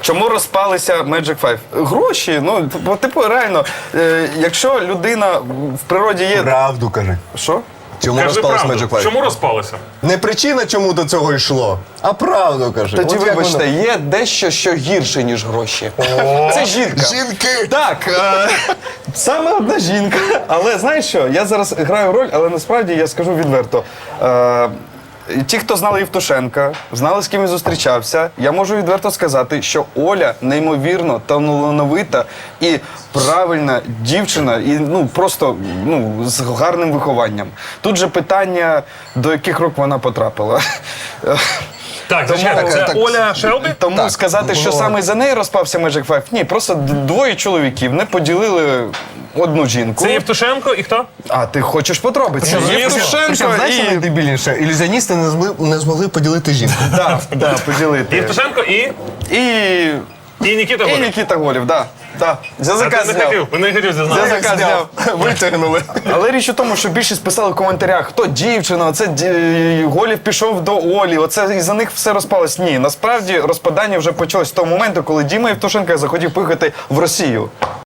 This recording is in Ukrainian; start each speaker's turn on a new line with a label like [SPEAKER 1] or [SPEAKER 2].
[SPEAKER 1] Чому розпалися Magic 5? Гроші, ну, типу, реально, якщо людина в природі є...
[SPEAKER 2] Правду кажи.
[SPEAKER 1] Що?
[SPEAKER 2] Чому
[SPEAKER 3] Кажи
[SPEAKER 2] розпалась
[SPEAKER 3] правду.
[SPEAKER 2] Magic 5?
[SPEAKER 3] Чому розпалися?
[SPEAKER 2] Не причина, чому до цього йшло, а правду кажи.
[SPEAKER 4] Тоді,
[SPEAKER 2] От як
[SPEAKER 4] вибачте,
[SPEAKER 2] воно-
[SPEAKER 4] є дещо, що гірше, ніж гроші. Це жінка.
[SPEAKER 2] Жінки!
[SPEAKER 1] Так, саме одна жінка. Але знаєш що, я зараз граю роль, але насправді я скажу відверто. Ті, хто знали Євтушенка, знали, з ким він зустрічався, я можу відверто сказати, що Оля неймовірно талановита і правильна дівчина, і ну просто з гарним вихованням. Тут же питання, до яких рук вона потрапила.
[SPEAKER 3] Так, звичайно, це
[SPEAKER 2] так.
[SPEAKER 3] Оля Шелбі?
[SPEAKER 1] Тому
[SPEAKER 2] Так,
[SPEAKER 1] сказати, що
[SPEAKER 2] було.
[SPEAKER 1] саме за неї розпався Magic 5, ні, просто двоє чоловіків не поділили одну жінку.
[SPEAKER 3] Це Євтушенко і хто?
[SPEAKER 1] А ти хочеш подробиці? Євтушенко
[SPEAKER 2] Знаєш, що
[SPEAKER 1] і...
[SPEAKER 2] найдебільніше? Ілюзіоністи не змогли поділити жінку.
[SPEAKER 1] Да, поділити.
[SPEAKER 3] Євтушенко і Нікіта
[SPEAKER 1] І
[SPEAKER 3] Голік.
[SPEAKER 1] Нікіта Голів, да.
[SPEAKER 3] А
[SPEAKER 1] Язика
[SPEAKER 3] ти не
[SPEAKER 1] зняв.
[SPEAKER 3] хотів, ви не хотів
[SPEAKER 1] Язика
[SPEAKER 3] зізнатися.
[SPEAKER 1] зняв.
[SPEAKER 2] Витягнули.
[SPEAKER 1] Але річ у тому, що більшість писали в коментарях, хто дівчина, оце Голів пішов до Олі, оце із-за них все розпалось. Ні, насправді розпадання вже почалось з того моменту, коли Діма Євтушенко захотів поїхати в Росію.